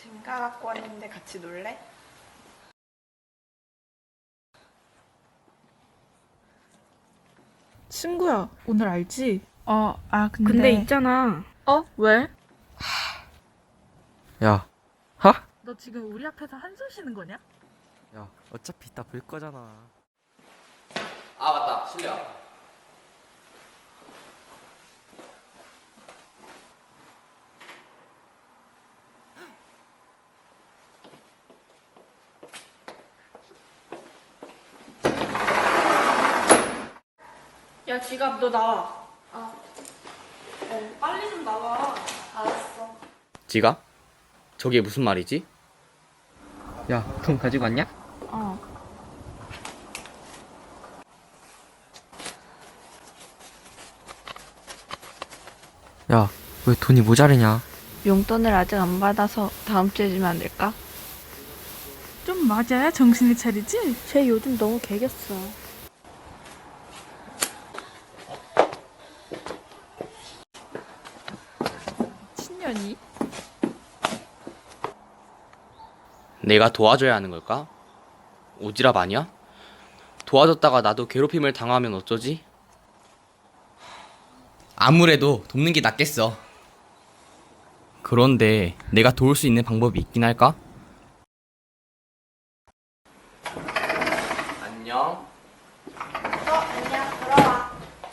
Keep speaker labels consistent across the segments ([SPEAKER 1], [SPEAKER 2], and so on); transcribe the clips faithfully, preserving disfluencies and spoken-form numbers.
[SPEAKER 1] 잼가 갖고 왔는데 같이 놀래?
[SPEAKER 2] 친구야, 오늘 알지? 어, 아, 근데.
[SPEAKER 3] 근데 있잖아.
[SPEAKER 2] 어? 왜?
[SPEAKER 4] 야, 하?
[SPEAKER 2] 너 지금 우리 앞에서 한숨 쉬는 거냐?
[SPEAKER 4] 야, 어차피 이따 볼 거잖아.
[SPEAKER 5] 아 맞다 실례야.
[SPEAKER 1] 야, 지갑 너 나와. 아, 어, 빨리 좀 나와. 알았어.
[SPEAKER 5] 지갑? 저게 무슨 말이지?
[SPEAKER 4] 야, 돈 가지고 왔냐?
[SPEAKER 1] 어.
[SPEAKER 4] 야, 왜 돈이 모자르냐?
[SPEAKER 3] 용돈을 아직 안 받아서 다음 주에 주면 안 될까?
[SPEAKER 2] 좀 맞아야 정신을 차리지?
[SPEAKER 3] 쟤 요즘 너무 개겼어.
[SPEAKER 2] 친년이?
[SPEAKER 5] 내가 도와줘야 하는 걸까? 오지랖 아니야? 도와줬다가 나도 괴롭힘을 당하면 어쩌지? 아무래도 돕는 게 낫겠어. 그런데 내가 도울 수 있는 방법이 있긴 할까? 안녕.
[SPEAKER 1] 어, 안녕. 들어와.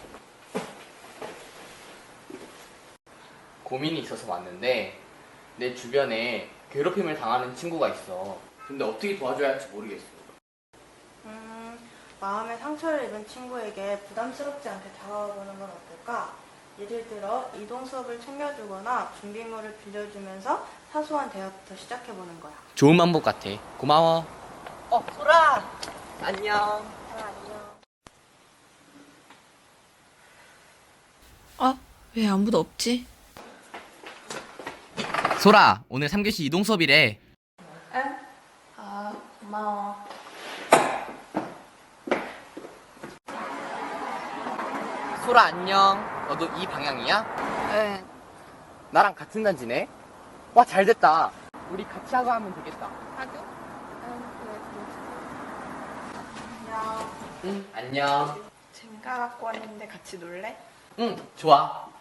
[SPEAKER 5] 고민이 있어서 왔는데 내 주변에 괴롭힘을 당하는 친구가 있어. 근데 어떻게 도와줘야 할지 모르겠어.
[SPEAKER 1] 음, 마음의 상처를 입은 친구에게 부담스럽지 않게 다가가보는 건 어떨까? 예를 들어, 이동 수업을 챙겨주거나 준비물을 빌려주면서 사소한 대화부터 시작해보는 거야.
[SPEAKER 5] 좋은 방법 같아. 고마워.
[SPEAKER 1] 어, 소라!
[SPEAKER 5] 안녕.
[SPEAKER 1] 아, 안녕.
[SPEAKER 3] 어? 왜 아무도 없지?
[SPEAKER 5] 소라, 오늘 삼 교시 이동 수업이래.
[SPEAKER 1] 응? 아, 고마워.
[SPEAKER 5] 소라 안녕. 너도 이 방향이야?
[SPEAKER 3] 응.
[SPEAKER 5] 나랑 같은 단지네. 와, 잘 됐다. 우리 같이 하고 하면 되겠다.
[SPEAKER 1] 하죠? 응, 그래, 그래. 안녕.
[SPEAKER 5] 응, 안녕.
[SPEAKER 1] 잼가 갖고 왔는데 같이 놀래?
[SPEAKER 5] 응, 좋아.